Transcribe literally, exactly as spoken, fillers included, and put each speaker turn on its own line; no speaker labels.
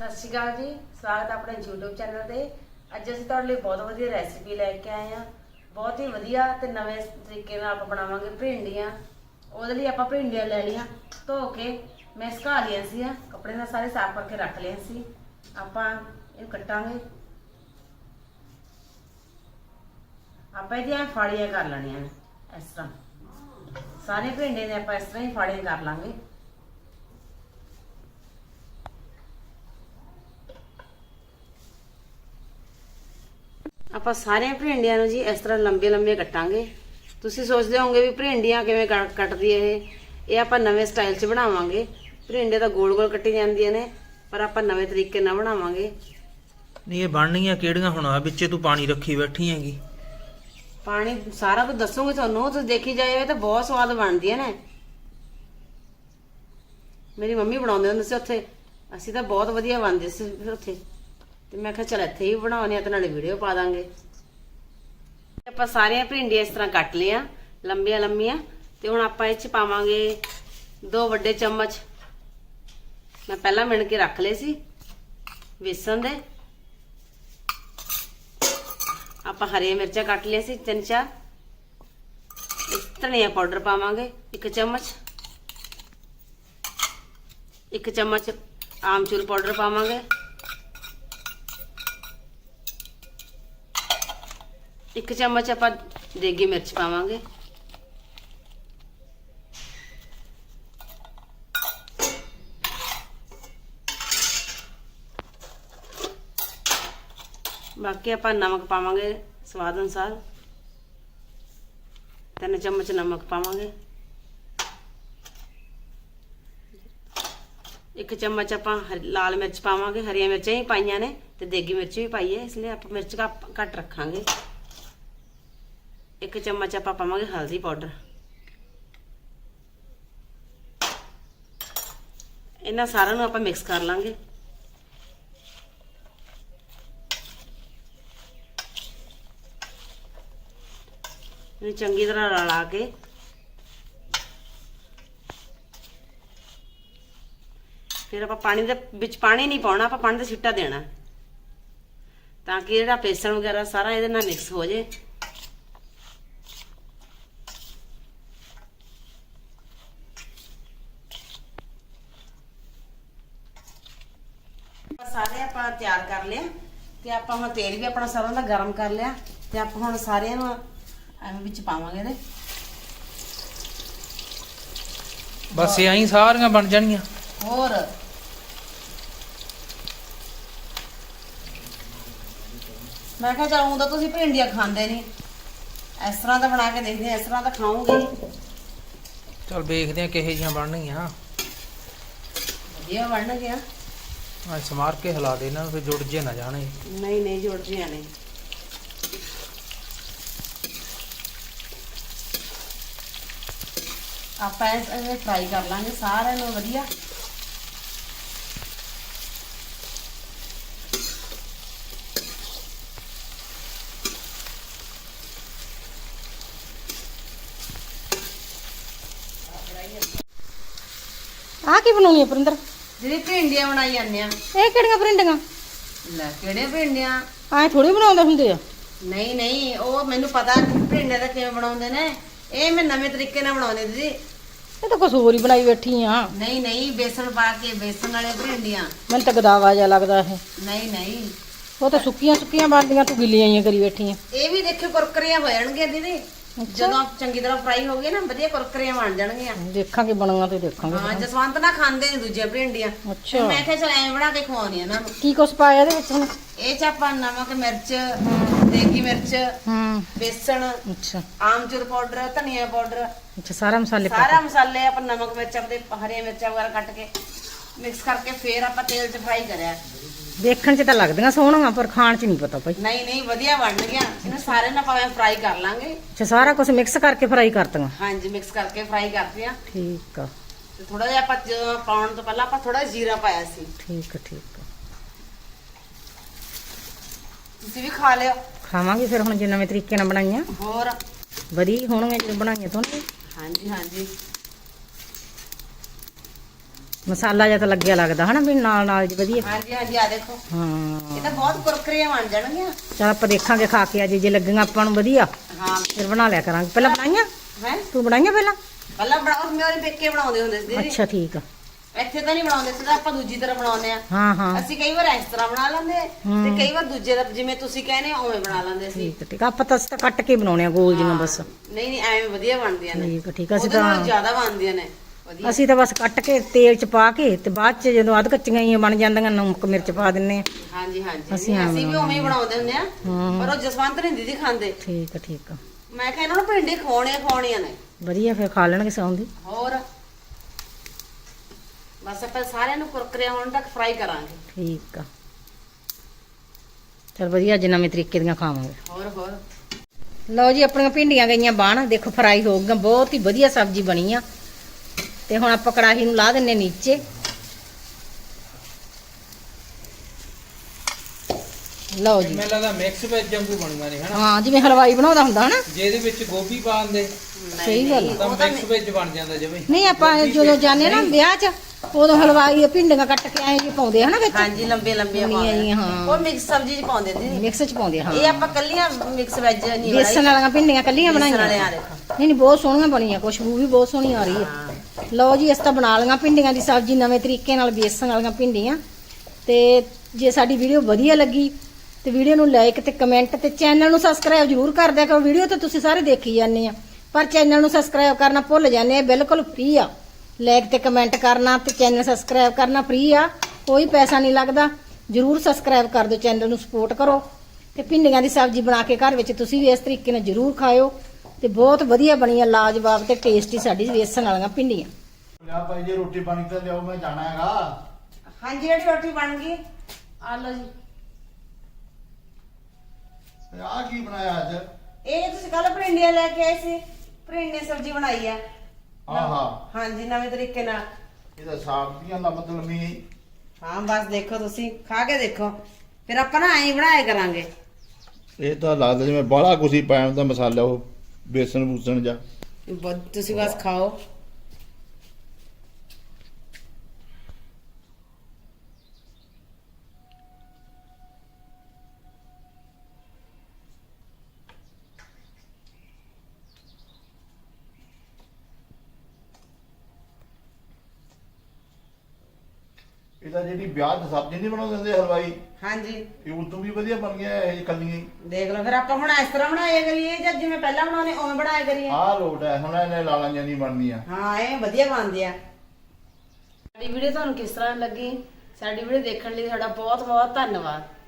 ਸਤਿ ਸ਼੍ਰੀ ਅਕਾਲ ਜੀ, ਸਵਾਗਤ ਹੈ ਆਪਣੇ YouTube ਚੈਨਲ ਤੇ। ਅੱਜ ਅਸੀਂ ਤੁਹਾਡੇ ਲਈ ਬਹੁਤ ਵਧੀਆ ਰੈਸਿਪੀ ਲੈ ਕੇ ਆਏ ਹਾਂ। ਬਹੁਤ ਹੀ ਵਧੀਆ ਤੇ ਨਵੇਂ ਤਰੀਕੇ ਨਾਲ ਆਪਾਂ ਬਣਾਵਾਂਗੇ ਭਿੰਡੀਆਂ। ਉਹਦੇ ਲਈ ਆਪਾਂ ਭਿੰਡੀਆਂ ਲੈ ਲਈਆਂ, ਧੋ ਕੇ ਮੈਂ ਸੁਕਾ ਲਈਆਂ ਸੀ, ਕੱਪੜੇ ਨਾਲ ਸਾਰੇ ਸਾਫ਼ ਕਰਕੇ ਰੱਖ ਲਏ ਸੀ। ਆਪਾਂ ਇਹ ਕੱਟਾਂਗੇ, ਆਪਾਂ ਇਹਦੀਆਂ ਫਾੜੀਆਂ ਕਰ ਲੈਣੀਆਂ ਨੇ ਇਸ ਤਰ੍ਹਾਂ। ਸਾਰੇ ਭਿੰਡੇ ਨੇ ਆਪਾਂ ਇਸ ਤਰ੍ਹਾਂ ਹੀ ਫਾੜੀਆਂ ਕਰ ਲਾਂਗੇ। ਆਪਾਂ ਸਾਰੀਆਂ ਭਿੰਡੀਆਂ ਨੂੰ ਜੀ ਇਸ ਤਰ੍ਹਾਂ ਲੰਬੇ ਲੰਬੇ ਕੱਟਾਂਗੇ। ਤੁਸੀਂ ਸੋਚਦੇ ਹੋਵੋਗੇ ਵੀ ਭਿੰਡੀਆਂ ਕਿਵੇਂ ਕੱਟਦੀ ਇਹ ਇਹ ਆਪਾਂ ਨਵੇਂ ਸਟਾਈਲ 'ਚ ਬਣਾਵਾਂਗੇ। ਭਿੰਡੇ ਤਾਂ ਗੋਲ ਗੋਲ ਕੱਟੀ ਜਾਂਦੀਆਂ ਨੇ, ਪਰ ਆਪਾਂ ਨਵੇਂ ਤਰੀਕੇ ਨਾਲ ਬਣਾਵਾਂਗੇ।
ਨਹੀਂ ਇਹ ਬਣਨੀਆਂ ਕਿਹੜੀਆਂ ਹੁਣ ਆ ਵਿੱਚੇ ਤੂੰ ਪਾਣੀ ਰੱਖੀ ਬੈਠੀ ਹੈਗੀ।
ਪਾਣੀ ਸਾਰਾ ਕੁਝ ਦੱਸੂਗੀ ਤੁਹਾਨੂੰ, ਤੁਸੀਂ ਦੇਖੀ ਜਾਇਓ, ਤਾਂ ਬਹੁਤ ਸਵਾਦ ਬਣਦੀਆਂ ਨੇ। ਮੇਰੀ ਮੰਮੀ ਬਣਾਉਂਦੇ ਹੁੰਦੇ ਸੀ ਉੱਥੇ, ਅਸੀਂ ਤਾਂ ਬਹੁਤ ਵਧੀਆ ਬਣਦੇ ਸੀ ਫਿਰ ਉੱਥੇ, ਤੇ ਮੈਂ ਕਿਹਾ ਚਲ ਇੱਥੇ ਹੀ ਬਣਾਉਣੇ ਆ ਤੇ ਨਾਲੇ ਵੀਡੀਓ ਪਾ ਦਾਂਗੇ। ਆਪਾਂ ਸਾਰੀਆਂ ਭਿੰਡੀਆਂ ਇਸ ਤਰ੍ਹਾਂ ਕੱਟ ਲਿਆ ਲੰਬੀਆਂ ਲੰਬੀਆਂ, ਤੇ ਹੁਣ ਆਪਾਂ ਇਹ 'ਚ ਪਾਵਾਂਗੇ ਦੋ ਵੱਡੇ ਚਮਚ, ਮੈਂ ਪਹਿਲਾਂ ਮਿਣ ਕੇ ਰੱਖ ਲਏ ਸੀ, ਬੇਸਣ ਦੇ। ਆਪਾਂ ਹਰੀਆਂ ਮਿਰਚਾਂ ਕੱਟ ਲਿਆ ਸੀ ਤਿੰਨ ਚਾਰ। ਧਨੀਆ ਪਾਊਡਰ ਪਾਵਾਂਗੇ ਇੱਕ ਚਮਚ, ਇੱਕ ਚਮਚ ਆਮਚੂਰ ਪਾਊਡਰ ਪਾਵਾਂਗੇ, ਇੱਕ ਚਮਚ ਆਪਾਂ ਦੇਗੀ ਮਿਰਚ ਪਾਵਾਂਗੇ, ਬਾਕੀ ਆਪਾਂ ਨਮਕ ਪਾਵਾਂਗੇ ਸਵਾਦ ਅਨੁਸਾਰ, ਤਿੰਨ ਚਮਚ ਨਮਕ ਪਾਵਾਂਗੇ, ਇੱਕ ਚਮਚ ਆਪਾਂ ਲਾਲ ਮਿਰਚ ਪਾਵਾਂਗੇ। ਹਰੀਆਂ ਮਿਰਚਾਂ ਹੀ ਪਾਈਆਂ ਨੇ ਤੇ ਦੇਗੀ ਮਿਰਚ ਵੀ ਪਾਈ ਹੈ, ਇਸ ਲਈ ਆਪਾਂ ਮਿਰਚ ਘੱਟ ਰੱਖਾਂਗੇ। ਇੱਕ ਚਮਚ ਆਪਾਂ ਪਾਵਾਂਗੇ ਹਲਦੀ ਪਾਊਡਰ। ਇਹਨਾਂ ਸਾਰਿਆਂ ਨੂੰ ਆਪਾਂ ਮਿਕਸ ਕਰ ਲਾਂਗੇ। ਇਹਨੂੰ ਚੰਗੀ ਤਰ੍ਹਾਂ ਰਲਾ ਕੇ ਫਿਰ ਆਪਾਂ ਪਾਣੀ ਦੇ ਵਿੱਚ ਪਾਣੀ ਨਹੀਂ ਪਾਉਣਾ, ਆਪਾਂ ਪਾਣੀ ਦਾ ਛਿੱਟਾ ਦੇਣਾ ਤਾਂ ਕਿ ਜਿਹੜਾ ਬੇਸਣ ਵਗੈਰਾ ਸਾਰਾ ਇਹਦੇ ਨਾਲ ਮਿਕਸ ਹੋ ਜੇ। ਸਾਰੇ ਆਪਾਂ ਤਿਆਰ ਕਰ ਲਿਆ ਤੇ ਆਪਾਂ ਹੁਣ ਤੇਲ ਵੀ ਆਪਣਾ ਸਰੋਂ ਦਾ ਗਰਮ ਕਰ ਲਿਆ, ਤੇ ਆਪਾਂ ਹੁਣ ਸਾਰਿਆਂ ਨੂੰ ਐਵੇਂ ਵਿੱਚ ਪਾਵਾਂਗੇ ਇਹਦੇ।
ਬਸ ਐਂ ਹੀ ਸਾਰੀਆਂ ਬਣ ਜਾਣੀਆਂ।
ਹੋਰ ਮੈਂ ਕਿਹਾ ਚਲ ਤਾਂ ਤੁਸੀਂ ਭਿੰਡੀਆਂ ਖਾਂਦੇ ਨਹੀਂ, ਇਸ ਤਰ੍ਹਾਂ ਦਾ ਬਣਾ ਕੇ ਦੇਖਦੇ ਆ, ਇਸ ਤਰ੍ਹਾਂ ਦਾ ਖਾਓਗੇ।
ਚਲ ਵੇਖਦੇ ਆ ਕਿਹੋ ਜਿਹੀਆਂ ਬਣਨਗੀਆਂ।
ਵਧੀਆ ਬਣ ਗਿਆ।
ਆ ਸਮਾਰ ਕੇ ਹਿਲਾ ਦੇ ਇਹਨਾਂ ਨੂੰ, ਫਿਰ ਜੁੜ ਜੇ ਨਾ ਜਾਣੇ।
ਨਹੀਂ ਨਹੀਂ ਜੁੜ ਜਿਆ ਨਹੀਂ। ਆਪਾਂ ਇਹ ਫਰਾਈ ਕਰ ਲਾਂਗੇ ਸਾਰਿਆਂ ਨੂੰ ਵਧੀਆ।
ਆ ਕੀ ਬਣਾਉਣੀ ਹੈ ਪਰਿੰਦਰ?
ਜਿਹੜੀ ਭਿੰਡੀਆਂ ਬਣਾਈ ਜਾਂਦੇ ਆ।
ਇਹ ਕਿਹੜੀਆਂ ਪਰਿੰਡੀਆਂ?
ਲੈ ਕਿਹੜੇ ਭਿੰਡੀਆਂ?
ਐ ਥੋੜੀ ਬਣਾਉਂਦੇ ਹੁੰਦੇ ਆ।
ਨਹੀਂ ਨਹੀਂ, ਉਹ ਮੈਨੂੰ ਪਤਾ ਭਿੰਡੀਆਂ ਦਾ ਕਿਵੇਂ ਬਣਾਉਂਦੇ ਨੇ। ਇਹ ਮੈਂ ਨਵੇਂ ਤਰੀਕੇ ਨਾਲ ਬਣਾਉਂਦੀ ਦੀਦੀ।
ਇਹ ਤਾਂ ਕੁਛ ਹੋਰ ਹੀ ਬਣਾਈ ਬੈਠੀ ਆ।
ਨਹੀਂ ਨਹੀਂ, ਬੇਸਣ ਪਾ ਕੇ, ਬੇਸਣ ਵਾਲੇ ਭਿੰਡੀਆਂ।
ਮੈਨੂੰ ਤਾਂ ਗਦਾਵਾ ਜਿਹਾ ਲੱਗਦਾ ਇਹ।
ਨਹੀਂ ਨਹੀਂ,
ਉਹ ਤਾਂ ਸੁੱਕੀਆਂ ਸੁੱਕੀਆਂ ਬਣਦੀਆਂ, ਤੂੰ ਗਿੱਲੀਆਂ ਹੀ ਕਰੀ ਬੈਠੀ ਆ।
ਇਹ ਵੀ ਦੇਖਿਓ ਕੁਰਕਰੀਆਂ ਹੋ ਜਾਣਗੀਆਂ ਦੀਦੀ, ਜਦੋਂ ਚੰਗੀ ਤਰ੍ਹਾਂ ਫਰਾਈ ਹੋ ਗਏ ਨਾ, ਵਧੀਆ ਕੁਰਕਰੀਆਂ ਬਣ ਜਾਣਗੀਆਂ।
ਦੇਖਾਂਗੇ ਬਣਾਂਗਾ ਤੇ ਦੇਖਾਂਗੇ।
ਹਾਂ, ਜਸਵੰਤ ਨਾ ਖਾਂਦੇ ਨੇ ਦੂਜੇ ਭਿੰਡੀਆਂ।
ਅੱਛਾ,
ਮੈਂ ਕਿਹਾ ਚਲ ਐਂ ਬਣਾ ਕੇ ਖਵਾਉਣੀ ਇਹਨਾਂ ਨੂੰ।
ਕੀ ਕੁਛ ਪਾਇਆ ਇਹਦੇ ਵਿੱਚ ਹੁਣ?
ਇਹ ਚ ਆਪਾਂ ਨਮਕ, ਮਿਰਚ, ਦੇਗੀ ਮਿਰਚ,
ਹੂੰ,
ਬੇਸਣ,
ਅੱਛਾ
ਆਮਚੂਰ ਪਾਊਡਰ, ਧਨੀਆ ਪਾਊਡਰ,
ਅੱਛਾ, ਸਾਰਾ ਮਸਾਲੇ ਪਾ
ਸਾਰਾ ਮਸਾਲੇ ਆਪਾਂ ਨਮਕ ਮਿਰਚ ਆਪਣੇ ਹਰੀਆਂ ਮਿਰਚਾਂ ਵਗੈਰਾ ਕੱਟ ਕੇ ਮਿਕਸ ਕਰਕੇ ਫੇਰ ਆਪਾਂ ਤੇਲ 'ਚ ਫਰਾਈ ਕਰਿਆ।
ਦੇਖਣ 'ਚ ਤਾਂ ਲੱਗਦੀਆਂ ਸੋਹਣੀਆਂ, ਪਰ ਖਾਣ 'ਚ ਨਹੀਂ ਪਤਾ ਭਾਈ।
ਨਹੀਂ ਨਹੀਂ, ਵਧੀਆ ਬਣ ਗਿਆ। ਇਹਨੂੰ ਸਾਰੇ ਨਾਲ ਭਾਵੇਂ ਫਰਾਈ ਕਰ ਲਾਂਗੇ।
ਅੱਛਾ, ਸਾਰਾ ਕੁਝ ਮਿਕਸ ਕਰਕੇ ਫਰਾਈ ਕਰਤੀਆਂ।
ਹਾਂਜੀ, ਮਿਕਸ ਕਰਕੇ ਫਰਾਈ ਕਰਦੇ ਆ।
ਠੀਕ ਆ।
ਤੇ ਥੋੜਾ ਜਿਹਾ ਆਪਾਂ ਜਦੋਂ ਪਾਉਣ ਤੋਂ ਪਹਿਲਾਂ ਆਪਾਂ ਥੋੜਾ ਜੀਰਾ ਪਾਇਆ ਸੀ।
ਠੀਕ ਆ ਠੀਕ ਆ।
ਤੁਸੀਂ ਵੀ ਖਾ ਲਿਓ।
ਖਾਵਾਂਗੇ ਫਿਰ ਹੁਣ ਜੇ ਨਵੇਂ ਤਰੀਕੇ ਨਾਲ ਬਣਾਈਆਂ।
ਹੋਰ
ਵਧੀਆ ਹੋਣਗੀਆਂ ਜਦੋਂ ਬਣਾਈਆਂ ਤੋਂ।
ਹਾਂਜੀ ਹਾਂਜੀ।
ਮਸਾਲਾ ਜਿਹਾ ਤਾਂ ਲੱਗਿਆ ਲੱਗਦਾ ਹਨਾ ਵੀ ਨਾਲ ਨਾਲ ਜੀ ਵਧੀਆ।
ਹਾਂਜੀ ਹਾਂਜੀ ਆ ਦੇਖੋ
ਹਾਂ
ਇਹ ਤਾਂ ਬਹੁਤ ਕੁਰਕਰੇ ਬਣ ਜਾਣਗੀਆਂ।
ਚਲ ਆਪਾਂ ਦੇਖਾਂਗੇ ਖਾ ਕੇ ਅੱਜ ਜੇ ਲੱਗੀਆਂ ਆਪਾਂ ਨੂੰ ਵਧੀਆ
ਹਾਂ
ਫਿਰ ਬਣਾ ਲਿਆ ਕਰਾਂਗੇ। ਪਹਿਲਾਂ ਬਣਾਈਆਂ
ਹੈ
ਤੂੰ ਬਣਾਈਆਂ ਪਹਿਲਾਂ?
ਪਹਿਲਾਂ ਬਣਾਓ ਮੇਰੇ ਪੇਕੇ ਬਣਾਉਂਦੇ ਹੁੰਦੇ ਸੀ ਦੀਦੀ।
ਅੱਛਾ ਠੀਕ ਆ।
ਇੱਥੇ ਤਾਂ ਨਹੀਂ ਬਣਾਉਂਦੇ ਸੀ ਤਾਂ ਆਪਾਂ ਦੂਜੀ ਤਰ੍ਹਾਂ ਬਣਾਉਂਦੇ ਆ।
ਹਾਂ ਹਾਂ
ਅਸੀਂ ਕਈ ਵਾਰ ਇਸ ਤਰ੍ਹਾਂ ਬਣਾ ਲੈਂਦੇ ਤੇ ਕਈ ਵਾਰ ਦੂਜੇ ਦਾ ਜਿਵੇਂ ਤੁਸੀਂ ਕਹਿੰਦੇ ਹੋ ਉਵੇਂ ਬਣਾ ਲੈਂਦੇ ਸੀ।
ਠੀਕ ਆ, ਠੀਕ ਆ। ਆਪਾਂ ਤਾਂ ਅਸੀਂ ਤਾਂ ਕੱਟ ਕੇ ਬਣਾਉਣੇ ਆ ਗੋਲ ਜਿਹੀਆਂ ਬਸ।
ਨਹੀਂ ਨਹੀਂ ਐਵੇਂ ਵਧੀਆ ਬਣਦੀਆਂ ਨੇ।
ਠੀਕ ਆ, ਠੀਕ ਆ। ਅਸੀਂ
ਉਹਦੇ ਨਾਲੋਂ
ਤਾਂ
ਜ਼ਿਆਦਾ ਬਣਦੀਆਂ ਨੇ ਵਧੀਆ।
ਅਸੀਂ ਤਾਂ ਬਸ ਕੱਟ ਕੇ ਤੇਲ ਚ ਪਾ ਕੇ ਤੇ ਬਾਅਦ ਚ ਜਦੋਂ ਅੱਧ ਕੱਚੀਆਂ ਹੀ ਬਣ ਜਾਂਦੀਆਂ ਨਮਕ ਮਿਰਚ ਪਾ ਦਿੰਨੇ ਆ।
ਹਾਂਜੀ ਹਾਂਜੀ
ਅਸੀਂ
ਅਸੀਂ
ਐਂ
ਵੀ ਉਵੇਂ ਹੀ ਬਣਾਉਂਦੇ ਹੁੰਦੇ ਆ।
ਹਾਂ
ਪਰ ਉਹ ਜਸਵੰਤ ਨਹੀਂ ਦੀਦੀ ਖਾਂਦੇ।
ਠੀਕ ਆ ਠੀਕ ਆ
ਮੈਂ ਕਿਹਾ ਇਹਨਾਂ ਨੂੰ ਭਿੰਡੀ ਖਵਾਉਣੀਆਂ ਖਵਾਉਣੀਆਂ ਨੇ।
ਵਧੀਆ ਫਿਰ ਖਾ ਲੈਣਗੇ ਸੌਂਦੀ।
ਹੋਰ ਬਸ ਆਪਾਂ ਸਾਰਿਆਂ ਨੂੰ ਕੁਰਕਰੇ ਹੋਣ ਤੱਕ ਫਰਾਈ ਕਰਾਂਗੇ।
ਠੀਕ ਆ ਚਲ ਵਧੀਆ ਅੱਜ ਨਵੇਂ ਤਰੀਕੇ ਦੀਆਂ ਖਾਵਾਂਗੇ।
ਹੋਰ ਹੋਰ
ਲਓ ਜੀ ਆਪਣੀਆਂ ਭਿੰਡੀਆਂ ਗਈਆਂ ਬਣ ਦੇਖੋ ਫਰਾਈ ਹੋ ਗਈਆਂ ਬਹੁਤ ਹੀ ਵਧੀਆ ਸਬਜ਼ੀ ਬਣੀ ਆ। ਤੇ ਹੁਣ ਆਪਾਂ ਕੜਾਹੀ ਨੂੰ ਲਾ ਦਿੰਨੇ ਨੀਚੇ। ਲਓ ਜੀ
ਮੈਨੂੰ ਲੱਗਦਾ ਮਿਕਸ ਵੈਜ ਵਾਂਗੂ ਬਣੂਗਾ ਨਹੀਂ ਹਨਾ।
ਹਾਂ ਜਿਵੇਂ ਹਲਵਾਈ ਬਣਾਉਂਦਾ ਹੁੰਦਾ ਹਨਾ।
ਜੇ ਇਹਦੇ ਵਿੱਚ ਗੋਭੀ ਪਾ ਦਿੰਦੇ
ਸਹੀ ਗੱਲ ਆ।
ਤਾਂ ਮਿਕਸ ਵੈਜ ਬਣ ਜਾਂਦਾ ਜਿਵੇਂ।
ਨਹੀਂ ਆਪਾਂ ਜਦੋਂ ਜਾਂਦੇ ਨਾ ਵਿਆਹ 'ਚ ਉਦੋਂ ਹਲਵਾਈ ਭਿੰਡੀਆਂ ਕੱਟ ਕੇ ਐਂ ਜੀ ਪਾਉਂਦੇ ਹਨਾ ਵਿੱਚ।
ਹਾਂਜੀ ਲੰਬੇ ਲੰਬੇ
ਲੰਬੀਆਂ ਜਿਹੀਆਂ, ਹਾਂ।
ਉਹ ਮਿਕਸ ਸਬਜ਼ੀ ਚ ਪਾਉਂਦੇ ਦੀਦੀ।
ਮਿਕਸ 'ਚ ਪਾਉਂਦੇ ਹਾਂ।
ਇਹ ਆਪਾਂ ਕੱਲੀਆਂ ਮਿਕਸ ਵੈਜ ਨਹੀਂ ਬਣਾਈ।
ਬੇਸਣ ਵਾਲੀਆਂ ਭਿੰਡੀਆਂ ਕੱਲੀਆਂ ਬਣਾਈਆਂ।
ਵਾਲੇ ਆ ਦੇਖੋ।
ਨਹੀਂ ਨਹੀਂ ਬਹੁਤ ਸੋਹਣੀਆਂ ਬਣੀਆਂ ਖੁਸ਼ਬੂ ਵੀ ਬਹੁਤ ਸੋਹਣੀ ਆ ਰਹੀ ਹੈ। ਲਓ ਜੀ ਇਸ ਤਾਂ ਬਣਾ ਲਈਆਂ ਭਿੰਡੀਆਂ ਦੀ ਸਬਜ਼ੀ ਨਵੇਂ ਤਰੀਕੇ ਨਾਲ ਬੇਸਣ ਵਾਲੀਆਂ ਭਿੰਡੀਆਂ। ਤੇ ਜੇ ਸਾਡੀ ਵੀਡੀਓ ਵਧੀਆ ਲੱਗੀ ਤੇ ਵੀਡੀਓ ਨੂੰ ਲਾਈਕ ਤੇ ਕਮੈਂਟ ਤੇ ਚੈਨਲ ਨੂੰ ਸਬਸਕ੍ਰਾਈਬ ਜ਼ਰੂਰ ਕਰ ਦਿਆ ਕਰੋ। ਵੀਡੀਓ ਤਾਂ ਤੁਸੀਂ ਸਾਰੇ ਦੇਖੀ ਜਾਂਦੇ ਆ ਪਰ ਚੈਨਲ ਨੂੰ ਸਬਸਕ੍ਰਾਈਬ ਕਰਨਾ ਭੁੱਲ ਜਾਂਦੇ ਆ। ਬਿਲਕੁਲ ਫ੍ਰੀ ਆ। ਲਾਈਕ ਤੇ ਕਮੈਂਟ ਕਰਨਾ ਤੇ ਚੈਨਲ ਸਬਸਕ੍ਰਾਈਬ ਕਰਨਾ ਫ੍ਰੀ ਆ। ਕੋਈ ਪੈਸਾ ਨਹੀਂ ਲੱਗਦਾ। ਜ਼ਰੂਰ ਸਬਸਕ੍ਰਾਈਬ ਕਰ ਦਿਓ ਚੈਨਲ ਨੂੰ ਸਪੋਰਟ ਕਰੋ। ਤੇ ਭਿੰਡੀਆਂ ਦੀ ਸਬਜ਼ੀ ਬਣਾ ਕੇ ਘਰ ਵਿੱਚ ਤੁਸੀਂ ਵੀ ਇਸ ਤਰੀਕੇ ਨਾਲ ਜ਼ਰੂਰ ਖਾਇਓ। ਤੇ ਬਹੁਤ ਵਧੀਆ ਬਣੀਆਂ ਲਾਜਵਾਬ ਤੇ ਟੇਸਟੀ ਸਾਡੀ ਬੇਸਣ ਵਾਲੀਆਂ ਭਿੰਡੀਆਂ।
ਲਿਆ ਭਾਈ ਜੀ ਰੋਟੀ ਪਾਣੀ ਤਾਂ ਲਿਆਓ ਮੈਂ ਜਾਣਾ ਹੈਗਾ।
ਹਾਂਜੀ ਜਿਹੜੀ ਰੋਟੀ ਬਣ ਗਈ ਆ ਲਓ ਜੀ।
ਤੇ ਆਹ ਕੀ ਬਣਾਇਆ ਅੱਜ?
ਇਹ ਤੁਸੀਂ ਕੱਲ ਭਿੰਡੀਆਂ ਲੈ ਕੇ ਆਏ ਸੀ। ਭਿੰਡੀਆਂ ਸਬਜ਼ੀ ਬਣਾਈ ਆ।
ਆਹਾ
ਹਾਂਜੀ ਨਵੇਂ ਤਰੀਕੇ ਨਾਲ।
ਇਹ ਤਾਂ ਸਾਗ ਦੀਆਂ ਦਾ ਮਤਲਬ ਨਹੀਂ।
ਹਾਂ ਬਸ ਦੇਖੋ ਤੁਸੀਂ ਖਾ ਕੇ ਦੇਖੋ ਫਿਰ ਆਪਾਂ ਨਾ ਐਂ ਬਣਾਇਆ ਕਰਾਂਗੇ।
ਇਹ ਤਾਂ ਲੱਗਦਾ ਜਿਵੇਂ ਬਾਹਲਾ ਕੁਛ ਹੀ ਪਾਇਆ ਹੁੰਦਾ ਮਸਾਲਾ ਉਹ ਬੇਸਣ ਬੂਸਣ ਜਾ।
ਬ- ਤੁਸੀਂ ਬਸ ਖਾਓ।
ਇਹ ਤਾਂ ਜਿਹੜੀ ਵਿਆਹ ਦੀ ਸਬਜ਼ੀ ਨਹੀਂ ਬਣਾਉਂਦੇ ਹੁੰਦੇ ਹਲਵਾਈ
ਹਾਂਜੀ
ਇਹ ਉਦੋਂ ਵੀ ਵਧੀਆ ਬਣ ਗਿਆ ਇਹ ਕੱਲੀਆਂ ਹੀ।
ਦੇਖ ਲਓ ਫਿਰ ਆਪਾਂ ਹੁਣ ਇਸ ਤਰ੍ਹਾਂ ਬਣਾਇਆ ਕਰੀਏ ਜਾਂ ਜਿਵੇਂ ਪਹਿਲਾਂ ਬਣਾਉਣੇ ਉਵੇਂ ਬਣਾਇਆ ਕਰੀਏ।
ਆਹ ਲੋਟ ਹੈ ਹੁਣ ਇਹਨੇ ਲਾਲਾਂ ਜਾਂ ਨਹੀਂ ਬਣਨੀਆਂ।
ਹਾਂ ਇਹ ਵਧੀਆ ਬਣਦੇ ਆ। ਸਾਡੀ ਵੀਡੀਓ ਤੁਹਾਨੂੰ ਕਿਸ ਤਰ੍ਹਾਂ ਲੱਗੀ? ਸਾਡੀ ਵੀਡੀਓ ਦੇਖਣ ਲਈ ਤੁਹਾਡਾ ਬਹੁਤ ਬਹੁਤ ਧੰਨਵਾਦ।